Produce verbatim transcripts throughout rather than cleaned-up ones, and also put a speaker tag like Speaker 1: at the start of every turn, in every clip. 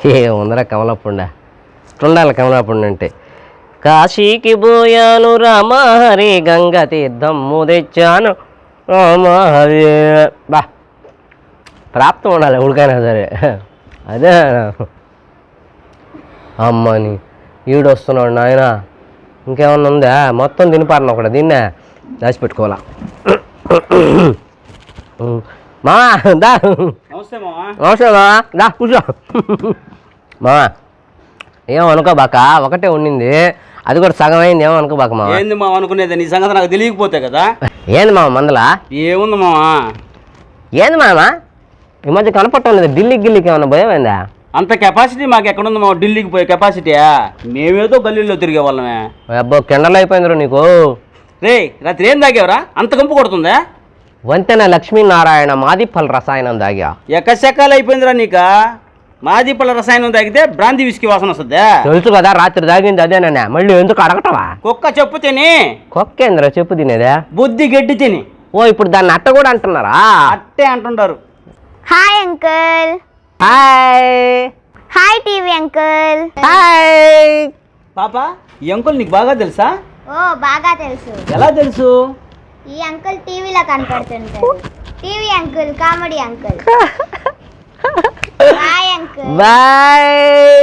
Speaker 1: ఏముందరా కమలపుండ ఉండాలి కమలపుండ అంటే కాశీకి పోయాను రామహరి గంగ తీర్థమ్ము తెచ్చాను రామహరి బా ప్రాప్తం ఉండాలి ఉడికైనా సరే అదే అమ్మని ఈడు వస్తున్నాడు నాయన ఇంకేమన్నా ఉందా మొత్తం తినిపారను ఒకటి దీన్నే దాచిపెట్టుకోవాలా మామా దా నమస్తే మామా దా కూర్చో మామా ఏమో అనుకోబాక ఒకటే ఉండింది అది కూడా సగం అయింది ఏమో అనుకోబాక మామ
Speaker 2: ఏంది మామ అనుకునేది నీ సంగతి నాకు తెలియకపోతే కదా
Speaker 1: ఏంది మామ మందలా
Speaker 2: ఏముంది మామా
Speaker 1: ఏంది మామ ఈ మధ్య కనపడటం లేదు ఢిల్లీకి గిల్లీకి ఏమన్నా భయమైందా
Speaker 2: అంత కెపాసిటీ మాకు ఎక్కడుంది మా ఢిల్లీకి పోయే కెపాసిటీయా మేమేదో గల్లీలో తిరిగే వాళ్ళమే
Speaker 1: అబ్బో కెండలు అయిపోయిందిరా నీకు
Speaker 2: రే రాత్రి ఏం తాగేవరా అంత కంపు కొడుతుందా
Speaker 1: వంతెన లక్ష్మీనారాయణ మాదిపల్ రసాయనం తాగా
Speaker 2: ఎక్కశకాలు అయిపోయిందిరా నీక మాదిపళ్ళ రసాయనం తాగితే బ్రాంతి విసికి వాసన వస్తుందా
Speaker 1: తెలుసు కదా రాత్రి తాగింది అదేనా మళ్ళీ ఎందుకు అడగటవా
Speaker 2: కుక్క చెప్పు తిని
Speaker 1: కుక్కేంద్ర చెప్పు తినేదా
Speaker 2: బుద్ధి గడ్డి తిని
Speaker 1: ఓ ఇప్పుడు దాన్ని అట్ట కూడా అంటున్నారా
Speaker 2: అట్టే అంటుంటారు
Speaker 3: hi uncle
Speaker 1: hi
Speaker 3: hi TV uncle
Speaker 1: hi
Speaker 2: పాప ఈ అంకుల్ నీకు బాగా తెలుసా
Speaker 3: ఓ బాగా తెలుసు
Speaker 2: ఎలా తెలుసు
Speaker 3: ఈ అంకుల్ టీవీలో కనపడుతుంటారు TV uncle comedy uncle bye uncle
Speaker 1: bye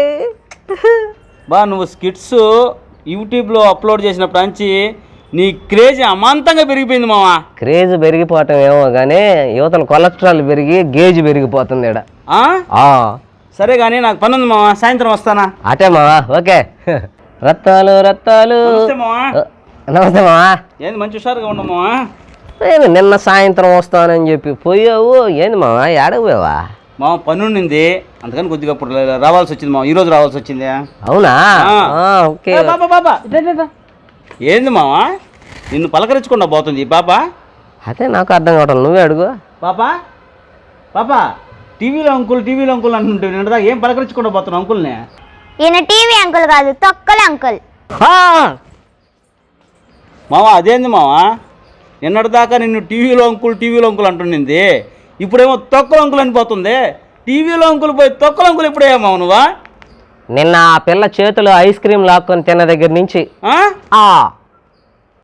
Speaker 2: బా నువ్వు స్కిట్స్ యూట్యూబ్లో అప్లోడ్ చేసినప్పుడు నుంచి నీ క్రేజ్ అమాంతంగా పెరిగిపోయింది మావా
Speaker 1: క్రేజ్ పెరిగిపోవటం ఏమో కానీ యువతల కొలెస్ట్రాల్ పెరిగి గేజ్ పెరిగిపోతుంది ఇక్కడ
Speaker 2: సరే కానీ నాకు పని ఉంది మావా సాయంత్రం వస్తానా
Speaker 1: అటే మావా ఓకే రత్తాలు రత్తాలు
Speaker 2: నమస్తే మావా
Speaker 1: నమస్తే మావా
Speaker 2: ఏంది మంచి హుషారుగా ఉండవు మావా
Speaker 1: ఏమి నిన్న సాయంత్రం వస్తానని చెప్పి పోయావు ఏంది మావా ఏడకు పోయావా
Speaker 2: మామ పని ఉండింది అందుకని కొద్దిగా ఇప్పుడు రావాల్సి వచ్చింది మామ ఈరోజు రావాల్సి వచ్చింది
Speaker 1: అవునా ఓకే
Speaker 2: బాబా బాబా ఏంది మావా నిన్ను పలకరించకుండా పోతుంది పాప
Speaker 1: అదే నాకు అర్థం కావటం నువ్వే అడుగు
Speaker 2: పాపా పాపా టీవీలో అంకుల్ టీవీలో అంకుల్ అంటుంటే నిన్నదా ఏం పలకరించకుండా పోతున్నావు అంకుల్ని
Speaker 3: ఈయన టీవీ అంకుల్ కాదు తొక్కల అంకుల్
Speaker 2: మావా అదేంది మావా నిన్నటిదాకా నిన్ను టీవీలో అంకుల్ టీవీలో అంకుల్ అంటుండింది ఇప్పుడేమో తొక్కల అంకుల్ అనిపోతుంది టీవీలో అంకుల్ పోయి తొక్కల అంకుల్ ఇప్పుడేమో నువ్వా
Speaker 1: నిన్న ఆ పిల్ల చేతిలో ఐస్ క్రీమ్ లాక్కొని తిన్న దగ్గర నుంచి